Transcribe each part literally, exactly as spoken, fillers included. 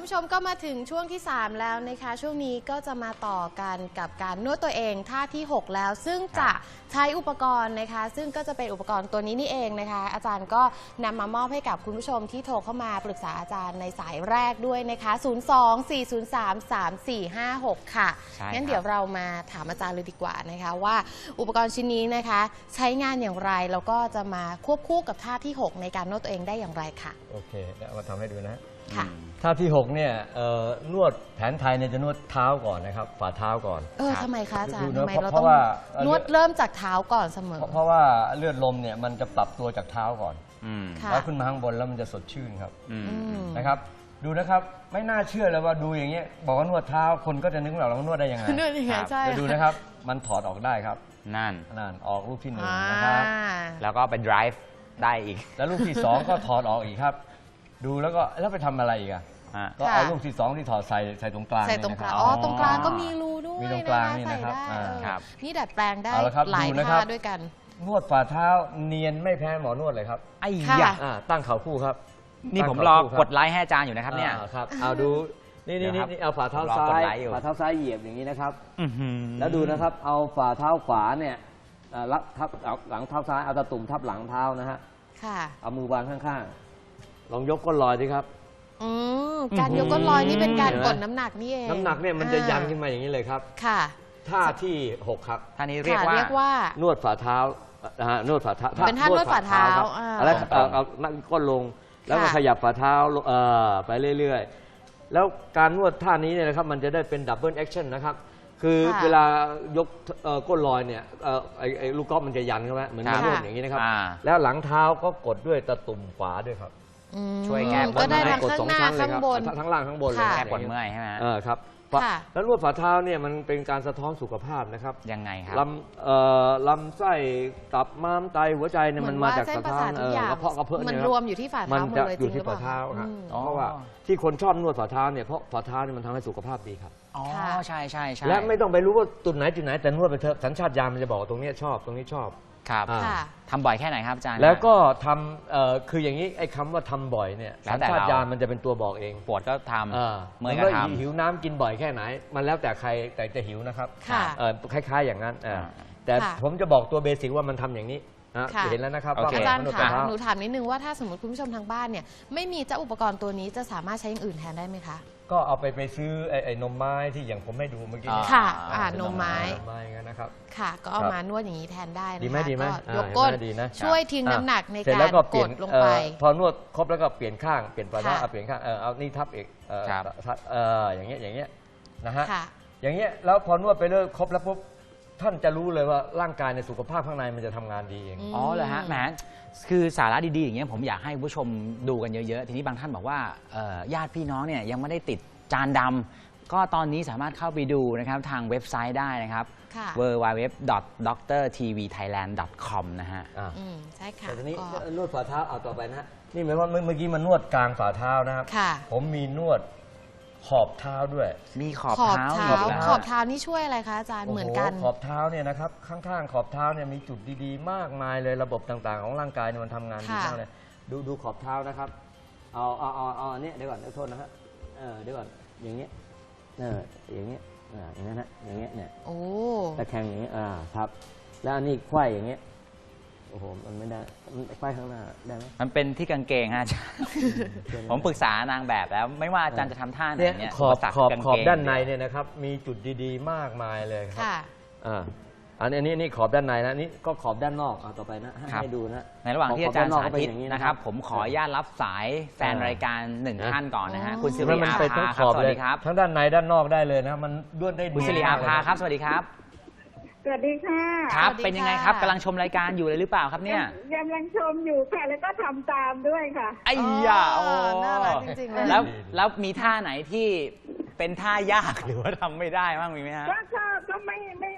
ผู้ชมก็มาถึงช่วงที่สามแล้วนะคะช่วงนี้ก็จะมาต่อกันกับการนวดตัวเองท่าที่หกแล้วซึ่งจะใช้อุปกรณ์นะคะซึ่งก็จะเป็นอุปกรณ์ตัวนี้นี่เองนะคะอาจารย์ก็นำมามอบให้กับคุณผู้ชมที่โทรเข้ามาปรึกษาอาจารย์ในสายแรกด้วยนะคะศูนย์ สอง สี่ ศูนย์ สาม สาม สี่ ห้า หกค่ะงั้นเดี๋ยวเรามาถามอาจารย์เลยดีกว่านะคะว่าอุปกรณ์ชิ้นนี้นะคะใช้งานอย่างไรแล้วก็จะมาควบคู่กับท่าที่หกในการนวดตัวเองได้อย่างไรค่ะโอเคเดี๋ยวมาทำให้ดูนะค่ะท่าที่หกเนี่ยนวดแผนไทยเนี่ยจะนวดเท้าก่อนนะครับฝ่าเท้าก่อนเออทำไมคะอาจารย์ทำไมเราต้องนวดเริ่มจากเท้าก่อนเสมอเพราะว่าเลือดลมเนี่ยมันจะปรับตัวจากเท้าก่อนแล้วขึ้นมาข้างบนแล้วมันจะสดชื่นครับนะครับดูนะครับไม่น่าเชื่อเลยว่าดูอย่างเงี้ยบอกว่านวดเท้าคนก็จะนึกว่าเรานวดได้ยังไงนวดยังไงใช่ดูนะครับมันถอดออกได้ครับนั่นนั่นออกลูกที่หนึ่งนะครับแล้วก็ไป drive ได้อีกแล้วลูกที่สองก็ถอดออกอีกครับดูแล้วก็แล้วไปทำอะไรอีกอ่ะก็เอาลูกที่สองที่ถอดใส่ใส่ตรงกลางใส่ตรงกลางอ๋อตรงกลางก็มีรูด้วยมีตรงกลางนี่นะครับนี่ดัดแปลงได้หลายท่าด้วยกันนวดฝ่าเท้าเนียนไม่แพ้หมอนวดเลยครับไอ้ยะตั้งเข่าคู่ครับนี่ผมรอกดไลค์ให้อาจารย์อยู่นะครับเนี่ยครับเอาดูนี่นี่นี่เอาฝ่าเท้าซ้ายฝ่าเท้าซ้ายเหยียบอย่างนี้นะครับแล้วดูนะครับเอาฝ่าเท้าขวาเนี่ยรับทับหลังเท้าซ้ายเอาตะตุ่มทับหลังเท้านะฮะเอามือวางข้างๆลองยกก้นลอยดิครับการยกก้นลอยนี่เป็นการกดน้ำหนักนี่เองน้ำหนักเนี่ยมันจะยันขึ้นมาอย่างนี้เลยครับค่ะท่าที่หกครับท่านี้เรียกว่านวดฝ่าเท้านะฮะนวดฝ่าเท้าเป็นท่านวดฝ่าเท้าแล้วเอานั่งก้นลงแล้วก็ขยับฝ่าเท้าไปเรื่อยๆแล้วการนวดท่านี้เนี่ยนะครับมันจะได้เป็นดับเบิลแอคชั่นนะครับคือเวลายกก้นลอยเนี่ยไอ้ลูกกอล์ฟมันจะยันใช่ไหมเหมือนนวดอย่างนี้นะครับแล้วหลังเท้าก็กดด้วยตะตุ่มขวาด้วยครับช่วยแก้ก็ได้ทั้งข้างหน้าข้างบนทั้งล่างข้างบนเลยแก้ปวดเมื่อยใช่ไหมเออครับแล้วนวดฝ่าเท้าเนี่ยมันเป็นการสะท้อนสุขภาพนะครับยังไงครับลำลำไส้ตับม้ามไตหัวใจเนี่ยมันมาจากสะท้อนกระเพาะกระเพาะมันรวมอยู่ที่ฝ่าเท้าหมดเลยจริงหรือเปล่าเพราะว่าที่คนชอบนวดฝ่าเท้าเนี่ยเพราะฝ่าเท้าเนี่ยมันทำให้สุขภาพดีครับอ๋อใช่ใช่ใช่และไม่ต้องไปรู้ว่าจุดไหนจุดไหนแต่นวดไปเถอะสัญชาตญาณมันจะบอกตรงนี้ชอบตรงนี้ชอบครับทำบ่อยแค่ไหนครับอาจารย์แล้วก็ทำคืออย่างนี้ไอ้คำว่าทำบ่อยเนี่ยสัญชาตญาณมันจะเป็นตัวบอกเองปวดก็ทำเมื่อยก็ทำหิวน้ำกินบ่อยแค่ไหนมันแล้วแต่ใครแต่จะหิวนะครับคล้ายๆอย่างนั้นแต่ผมจะบอกตัวเบสิกว่ามันทำอย่างนี้เห็นแล้วนะครับอาจารย์ค่ะหนูถามนิดนึงว่าถ้าสมมติคุณผู้ชมทางบ้านเนี่ยไม่มีเจ้าอุปกรณ์ตัวนี้จะสามารถใช้อย่างอื่นแทนได้ไหมคะก็เอาไปไปซื้อไอ้นมไม้ที่อย่างผมให้ดูเมื่อกี้ค่ะนมไม้นมไม้งั้นนะครับค่ะก็เอามานวดอย่างนี้แทนได้นะคะดีไหมดีไหมยกก้นช่วยทิ้งน้ำหนักในการกดลงไปพอนวดครบแล้วก็เปลี่ยนข้างเปลี่ยนฝ่าเท้าเอาเปลี่ยนข้างเออเอานี่ทับเอกเอออย่างเงี้ยอย่างเงี้ยนะฮะอย่างเงี้ยแล้วพอนวดไปเรื่อยครบแล้วปุ๊บท่านจะรู้เลยว่าร่างกายในสุขภาพข้างในมันจะทำงานดีเองอ๋อเหรอฮะแหมคือสาระดีๆอย่างเงี้ยผมอยากให้ผู้ชมดูกันเยอะๆทีนี้บางท่านบอกว่าญาติพี่น้องเนี่ยยังไม่ได้ติดจานดำก็ตอนนี้สามารถเข้าไปดูนะครับทางเว็บไซต์ได้นะครับ ดับเบิลยู ดับเบิลยู ดับเบิลยู ดอท ด็อกเตอร์ ที วี ไทยแลนด์ ดอท คอม นะฮะใช่ค่ะแต่ทีนี้นวดฝ่าเท้าเอาต่อไปนะฮะนี่หมายว่าเมื่อกี้มันนวดกลางฝ่าเท้านะครับผมมีนวดขอบเท้าด้วยมีขอบเท้าขอบเท้านี่ช่วยอะไรคะอาจารย์เหมือนกันขอบเท้าเนี่ยนะครับข้างๆขอบเท้าเนี่ยมีจุดดีๆมากมายเลยระบบต่างๆของร่างกายเนี่ยมันทำงานดีมากเลยดูดูขอบเท้านะครับเอาเอาเอาเอาอันนี้เดี๋ยวก่อนเดี๋ยวโทษนะครับเออเดี๋ยวก่อนอย่างเงี้ยเอออย่างเงี้ยอ่าอย่างนั้นนะอย่างเงี้ยเนี่ยโอ้ตะแคงอย่างเงี้ยอ่าครับแล้วอันนี้ไขว้อย่างเงี้ยโอ้โหมันไม่ได้ไขว้ข้างหน้าได้ไหมมันเป็นที่กางเกงฮะอาจารย์ผมปรึกษานางแบบแล้วไม่ว่าอาจารย์จะทำท่าไหนเนี่ยขอบขอบขอบด้านในเนี่ยนะครับมีจุดดีๆมากมายเลยครับอ่าอันนี้นี่ขอบด้านในนะนี่ก็ขอบด้านนอกต่อไปนะให้ดูนะในระหว่างที่อาจารย์สาธิตนะครับผมขออนุญาตรับสายแฟนรายการหนึ่งท่านก่อนนะฮะคุณสิริอาภาครับสวัสดีครับทั้งด้านในด้านนอกได้เลยนะมันด้วนได้คุณสิริอาภาครับสวัสดีครับสวัสดีค่ะครับเป็นยังไงครับกำลังชมรายการอยู่เลยหรือเปล่าครับเนี่ยกำลังชมอยู่ค่ะแล้วก็ทำตามด้วยค่ะไอ้ยาโอ้น่ารักจริงๆเลยแล้วแล้วมีท่าไหนที่เป็นท่ายากหรือว่าทำไม่ได้บ้างมีไหมฮะก็ก็ไม่ไม่ไม่ยาก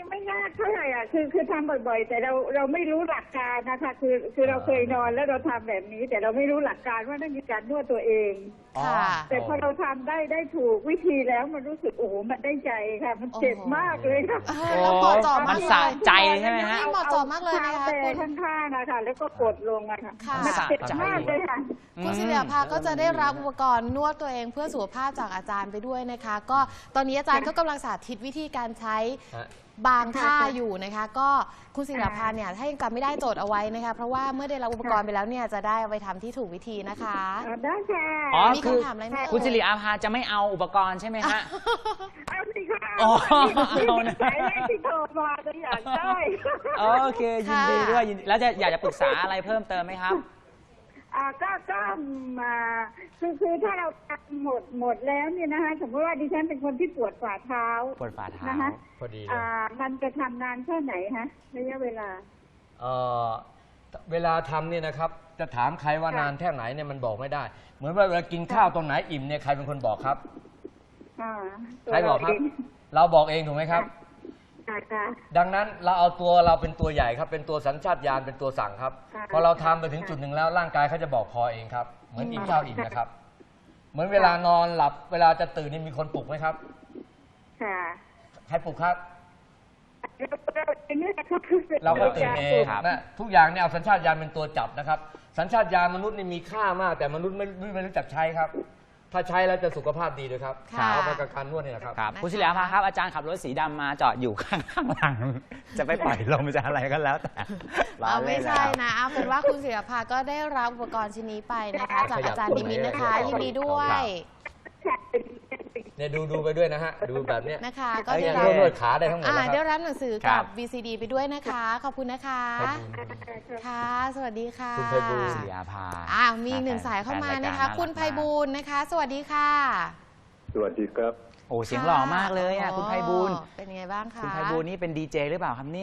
ากเท่าไหร่อ่ะคือคือทำบ่อยๆ แต่เราเราไม่รู้หลักการนะคะคือคือเราเคยนอนแล้วเราทำแบบนี้ แต่เราไม่รู้หลักการว่านั่นคือการนวดตัวเองค่ะแต่พอเราทำได้ได้ถูกวิธีแล้วมันรู้สึกโอ้โหมันได้ใจค่ะ มันเจ็บมากเลยค่ะเออแล้วเหมาะเจาะมัมาน กสะเลยใจใช่ไหมฮะเหมาะเจาะมากเลยนะคะแต่คุณข้างๆนะคะแล้วก็กดลงอะค่ะค่ะมันเจ็บมากเลยค่ะคุณศิริภาก็จะได้รับอุปกรณ์นวดตัวเองเพื่อสุขภาพจากอาจารย์ไปด้วยนะคะ ก็ตอนนี้อาจารย์ก็กำลังสาธิตวิธีการใช้ฮะบางท่าอยู่นะคะ ก็คุณศิริภาเนี่ยถ้ายังจำไม่ได้โจทย์เอาไว้นะคะ เพราะว่าเมื่อได้รับอุปกรณ์ไปแล้วเนี่ยจะได้เอาไปทำที่ถูกวิธีนะคะได้ค่ะอ๋อมีคือคำถามอะไรไหมเอ่ยคุณสิริอาภาจะไม่เอาอุปกรณ์ใช่ไหมฮะเอาสิค่ะอ๋อนี่เอาเป็นนะสายแรกที่โทรมาจะอยากได้โอเคยินดีด้วยยินดีแล้วจะอยากจะปรึกษาอะไรเพิ่มเติมไหมครับอ่าก็ก็มาคือคือถ้าเราทำหมดหมดแล้วเนี่ยนะคะสมมติว่าดิฉันเป็นคนที่ปวดฝ่าเท้าปวดฝ่าเท้านะคะพอดีเลยอ่ามันจะทำนานแค่ไหนฮะระยะเวลาเอ่อเวลาทำเนี่ยนะครับจะถามใครว่าค่ะนานแค่ไหนเนี่ยมันบอกไม่ได้ เหมือนว่าเวลากินข้าวตรงไหนอิ่มเนี่ยใครเป็นคนบอกครับอ่าตัวใครบอกครับเงเราบอกเองถูกไหมครับค่ะค่ะดังนั้นเราเอาตัวเราเป็นตัวใหญ่ครับ เป็นตัวสัญชาตญาณเป็นตัวสั่งครับค่ะพอเราทำไปถึงจุดหนึ่งแล้วร่างกายเขาจะบอกพอเองครับ เหมือนอิ่มข้าวอิ่มนะครับ เหมือนเวลานอนหลับ เวลาจะตื่นนี่มีคนปลุกไหมครับค่ะใครปลุกครับเราเราเป็นเรื่องนะครับเราก็ตื่นเองครับนะทุกอย่างเนี่ยเอาสัญชาตญาณเป็นตัวจับนะครับ สัญชาตญาณมนุษย์นี่มีค่ามาก แต่มนุษย์ไม่ไม่ไม่รู้จักใช้ครับ ถ้าใช้แล้วจะสุขภาพดีด้วยครับค่ะเอาไปกับการนวดนี่นะครับครับนะคะคุณสิริอาภาครับอาจารย์ขับรถสีดำมาจอดอยู่ข้างข้างหลัง จะไปปล่อยลมจะอะไรก็แล้วแต่ล้อเอาเล่ไม่นใช่นะครับนะเอาเป็นว่าคุณศิริภาก็ได้รับอุปกรณ์ชิ้นนี้ไปนะคะ จากอาจารย์นิมิตนะคะ ยินดีด้วยเนี่ยดูดูไปด้วยนะฮะ ดูแบบเนี้ยนะคะ ก็ไอ้ได้เนี่ยรับนวดขาได้ทั้งหมดอ่าแล้วคได้รับรับหนังสือครักับ บ วี ซี ดี ไปด้วยนะคะ ขอบคุณนะคะขอบคุณค่ะ สวัสดีค่ะคุณไพบูลย์สิริอาภาอ่ามีอีกหนึ่งสายเข้ามานะคะ คุณไพบูลย์นะคะ สวัสดีค่ะสวัสดีครับโอ้เสียงหล่อมากเลยอ่ะคุณไพบูลย์โอ้เป็นไงบ้างคะคุณไพบูลย์นี่เป็นดีเจหรือเปล่าครับเนี่ย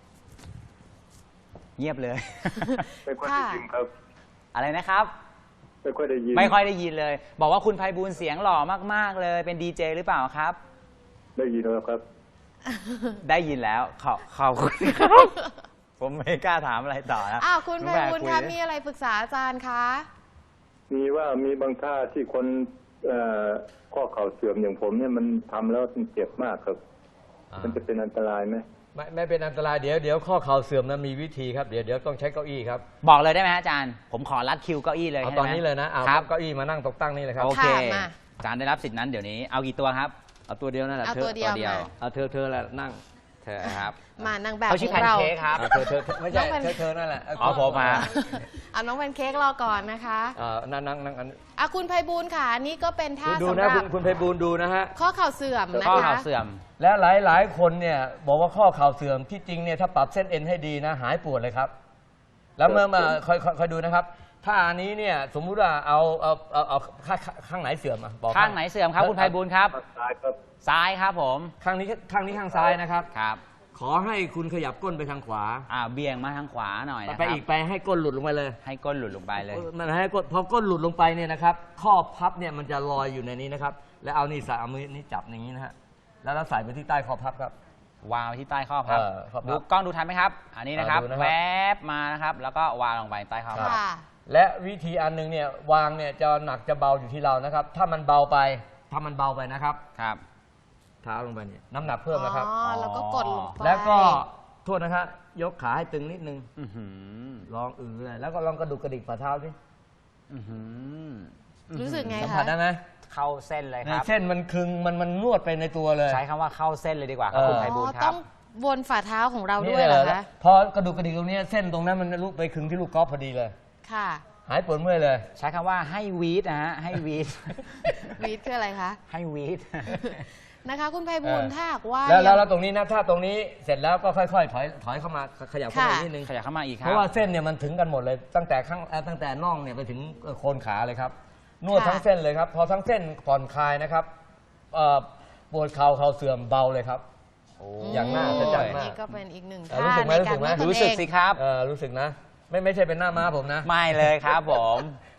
เงียบเลยไม่ค่อยได้ยินครับอะไรนะครับไม่ค่อยได้ยินไม่ค่อยได้ยินเลย บอกว่าคุณไพบูลย์เสียงหล่อมากๆเลย เป็นดีเจหรือเปล่าครับได้ยินแล้วครับได้ยินแล้วขอขอบคุณครับผมไม่กล้าถามอะไรต่อนะอ้าวคุณไพน้องแบบูลย์คุยคะดิมีอะไรปรึกษาอาจารย์คะมีว่ามีบางท่าที่คนเอ่อข้อเข่าเสื่อมอย่างผมเนี่ยมันทำแล้วมันเจ็บมากครับอ่ามันจะเป็นอันตรายไหมไม่ไม่เป็นอันตรายเดี๋ยวเดี๋ยวข้อเข่าเสื่อมนะมีวิธีครับเดี๋ยวเดี๋ยวต้องใช้เก้าอี้ครับบอกเลยได้ไหมฮะอาจารย์ ผมขอรัดคิวเก้าอี้เลยเอาให้ตอนได้ไหมนี้เลยนะเอาครับเก้าอี้มานั่งตกตั้งนี่เลยครับโอเคค่ะมาอาจารย์ได้รับสิทธินั้นเดี๋ยวนี้ เอากี่ตัวครับเอาตัวเดียวนั่นแหละเอาเธอตัวเดียวตัวเดียวมาเอาเธอเธอแหละนั่งเธอครับมานางแบบเขาขชื่ออแพงนเราเค้กครับเอาเธอเธอเธอไม่ใช่น้องแพนเธอเธอนั่นแหละอ๋อผมมาเอาน้องแพนเค้กรอก่อนนะคะเอ่านั่งนั่งนั่งอันอ่ะคุณไพบูลย์ค่ะอันนี้ก็เป็นท่าดูสำหนะรัคุบณคุณไพบูลย์ดูนะฮะข้อเข่าเสื่อมนะข้อคะเข่าเสื่อมและหลายหลายคนเนี่ยบอกว่าข้อเข่าเสื่อมที่จริงเนี่ยถ้าปรับเส้นเอ็นให้ดีนะหายปวดเลยครับ แล้วเมื่อมาคอยคอยคอยดูนะครับถ้าอันนี้เนี่ยสมมุติว่าเอาเอาเอาเอาข้างข้างไหนเสื่อมอ่ะบอกข้างไหนเสื่อมครับคุณไพบูลย์ครับตายครับซ้ายครับผมข้างนี้ข้างนี้ข้างซ้ายนะครับครับขอให้คุณขยับก้นไปทางขวาอ่าเบี่ยงมาทางขวาหน่อยนะคไปรับอีกไปให้ก้นหลุดลงไปเลยให้ก้นหลุดลงไปเลยมันให้ก้นพอก้นหลุดลงไปเนี่ยนะครับ ข้อพับเนี่ยมันจะลอยอยู่ในนี้นะครับ แล้วเอานี่ใส่เอามือนี้จับอย่างนี้นะฮะแล้วเราใส่ไปที่ใต้ข้อพับครับวางไว้ที่ใต้ข้อพับเออข้อพับดูกล้องดูทันไหมครับ อันนี้นะครับเออดูนะครับแวบมานะครับ แล้วก็วางลงไปใต้ข้อพับค่ะและวิธีอันหนึงเนี่ยวางเนี่ยจะหนักจะเบาอยู่ที่เรานะครับ ถ้ามันเบาไปถ้ามันเบาไปนะครับครับเท้าลงไปเนี่ยน้ำหนักเพิ่มนะครับอ๋อ แล้วก็กดลงไปแล้วก็โทษนะครับยกขาให้ตึงนิดนึงอื้อหือลองอือเลยแล้วก็ลองกระดุกกระดิกฝ่าเท้าสิอื้อหือรู้สึกไงสัมคะผัสได้ไหมเข้าเส้นเลยคเนี่ยรับเส้นมันคึงมันมันนวดไปในตัวเลยใช้คำว่าเข้าเส้นเลยดีกว่าครับเออคุณไพบูลอ๋อย์คต้รัอบ งวนฝ่าเท้าของเรานี่ด้วยเหรอแหละคะพอกระดูกกระดิกตรงเนี้ยเส้นตรงนั้นมันลุกไปคึงที่ลูกกอล์ฟพอดีเลยค่ะหายปวดเมื่อยเลยใช้คำว่าให้วีดนะฮะ ให้วีดวีดคืออะไรคะให้วีดนะคะ คุณไพบูลย์เออถ้าหากว่าแล้วแล้วยังแล้วตรงนี้นะถ้าตรงนี้เสร็จแล้วก็ค่อยๆถอยถอยเข้ามาขยับเข้ามาค่ะนิดนึงขยับเข้ามาอีกคเพรับราะว่าเส้นเนี่ยมันถึงกันหมดเลย ตั้งแต่ข้างเอ่อตั้งแต่น่องเนี่ยไปถึงเอ่อโคนขาเลยครับนวดค่ะทั้งเส้นเลยครับ พอทั้งเส้นผ่อนคลายนะครับเอ่อปวดเข่าเข่าเสื่อมเบาเลยครับโอ้อย่างน่าอัศจรรย์มากนี่ก็เป็นอีกหนึ่งเออท่ารู้สึกไหมในการนวดตนรู้สึกเองสิครับเออรู้สึกนะ ไม่ไม่ใช่เป็นหน้าม้าผมนะไม่เลยครับผม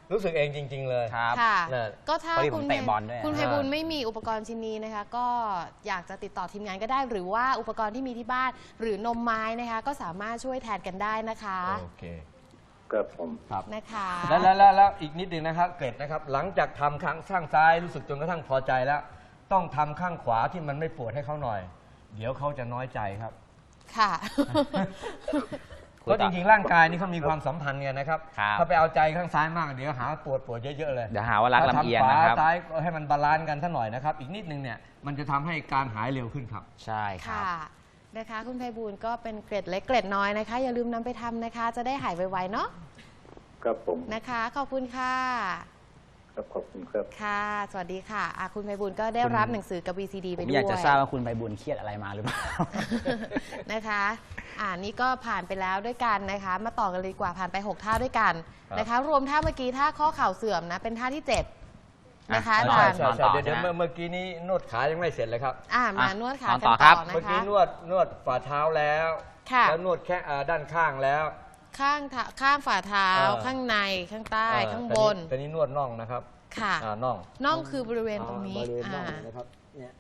รู้สึกเองจริง ๆ เลยครับค่ะนั่นก็ถ้าพอดีผมคุณเตะบอลด้วยคุณอ่าไพบูลย์ไม่มีอุปกรณ์ชิ้นนี้นะคะ ก็อยากจะติดต่อทีมงานก็ได้ หรือว่าอุปกรณ์ที่มีที่บ้านหรือนมไม้นะคะ ก็สามารถช่วยแทนกันได้นะคะโอเคครับผมครับนะคะแล้วแล้วแล้วแล้วอีกนิดหนึ่งนะครับเกร็ดนะครับ หลังจากทำข้างข้างซ้ายรู้สึกจนกระทั่งพอใจแล้ว ต้องทำข้างขวาที่มันไม่ปวดให้เขาหน่อย เดี๋ยวเขาจะน้อยใจครับค่ะเพราะจริงๆร่างกายนี่เขามีความสัมพันธ์กันนะครับครับถ้าไปเอาใจข้างซ้ายมากเดี๋ยวหาปวดปวดเยอะๆเลยเดี๋ยวหาว่ารักลำเอียงนะครับถ้าทำขวาซ้ายให้มันบาลานซ์กันสักหน่อยนะครับ อีกนิดนึงเนี่ยมันจะทำให้การหายเร็วขึ้นครับใช่ครัค่ะบนะคะ คุณไพบูลย์ก็เป็นเกร็ดเล็กเกร็ดน้อยนะคะ อย่าลืมนำไปทำนะคะ จะได้หายไวๆเนาะครับผมนะคะ ขอบคุณค่ะครับขอบคุณครับค่ะ สวัสดีค่ะอ่ะคุณไพบูลย์ก็ได้รับหนังสือกับ วี ซี ดีผไปมด้วยอยากจะทราบว่าคุณไพบูลย์เครียดอะไรมาหรือเปล่านะคะ อ่านี่ก็ผ่านไปแล้วด้วยกันนะคะ มาต่อกันเลยดีกว่าผ่านไปหกท่าด้วยกันครับนะคะ รวมท่าเมื่อกี้ท่าข้อเข่าเสื่อมนะ เป็นท่าที่เจ็ดนะคะอ่ะอาใช่จารย์ใช่นอนต่อใช่เดี๋ยวเดี๋ยวใช่ไหมเมื่อเมื่อกี้นี้นวดขายังไม่เสร็จเลยครับอ่ามาอ่ะนวดขานอนกันต่ต่ออครับนะเมื่อกี้คะนวดนวดฝ่าเท้าแล้วค่ะแล้วนวดแค่อ่าด้านข้างแล้วข้างเท้าข้างฝ่าเท้าเออข้างในข้างใต้เอ่อข้างบนตอนนี้นวดน่องนะครับค่ะอ่าน่องน่องคือบริเวณตรงนี้อ่าบริเวณน่องอ่านะครับเนี่ย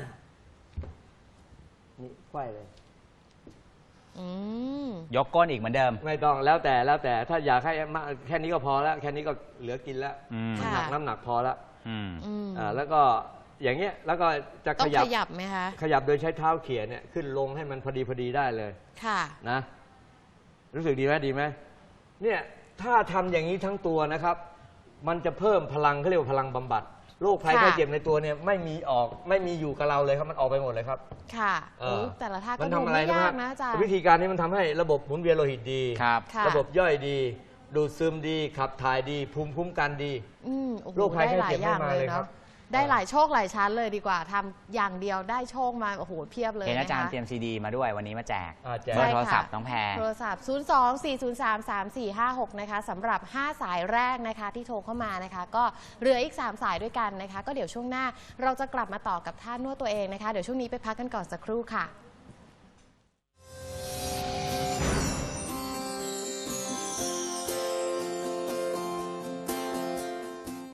นี่ไขว้เลยอืมยกก้นอีกเหมือนเดิมไม่ต้องแล้วแต่แล้วแต่ถ้าอยากให้มากแค่นี้ก็พอแล้ว แค่นี้ก็เหลือกินแล้วอืมน้ำหนักค่ะน้ำหนักพอแล้วอืมอืมอ่าแล้วก็อย่างเงี้ยแล้วก็จะต้ของยับขยับไหมคะขยับโดยใช้เท้าเขี่ยเนี่ยขึ้นลงให้มันพอดีพอดีได้เลยค่ะนะ รู้สึกดีไหมดีไหมเนี่ยถ้าทำอย่างนี้ทั้งตัวนะครับ มันจะเพิ่มพลังเขาเรียกว่าพลังบำบัดโรคภัยค่ะไข้เจ็บในตัวเนี่ยไม่มีออกไม่มีอยู่กับเราเลยครับมันออกไปหมดเลยครับค่ะเอโอ้อแต่ละท่ามัก็นดูทำอะไรไม่นะยาครักบนะอาจารย์วิธีการนี้มันทำให้ระบบหมุนเวียนโลหิตดีครับค่ะระบบย่อยดี ดูดซึมดี ขับถ่ายดี ภูมิคุ้มกันดีอืมโอ้โหโรคภัยได้หลายไข้เจ็บอย่างไม่มาเลเลย ยครัเนาะบได้หลายโชคหลายชั้นเลยดีกว่าทำอย่างเดียวได้โชคมาโอ้โหเพียบเลยเห็นอาจารย์นะคะเตรียมซีดีมาด้วยวันนี้มาแจกอ่าแจกเบอร์โทรศัพท์ใช่ค่ะน้องแพรโทรศัพท์ ศูนย์ สอง สี่ ศูนย์ สาม สาม สี่ ห้า หก นะคะสำหรับ ห้า สายแรกนะคะที่โทรเข้ามานะคะ ก็เหลืออีก สาม สายด้วยกันนะคะ ก็เดี๋ยวช่วงหน้าเราจะกลับมาต่อกับท่านวดตัวเองนะคะ เดี๋ยวช่วงนี้ไปพักกันก่อนสักครู่ค่ะ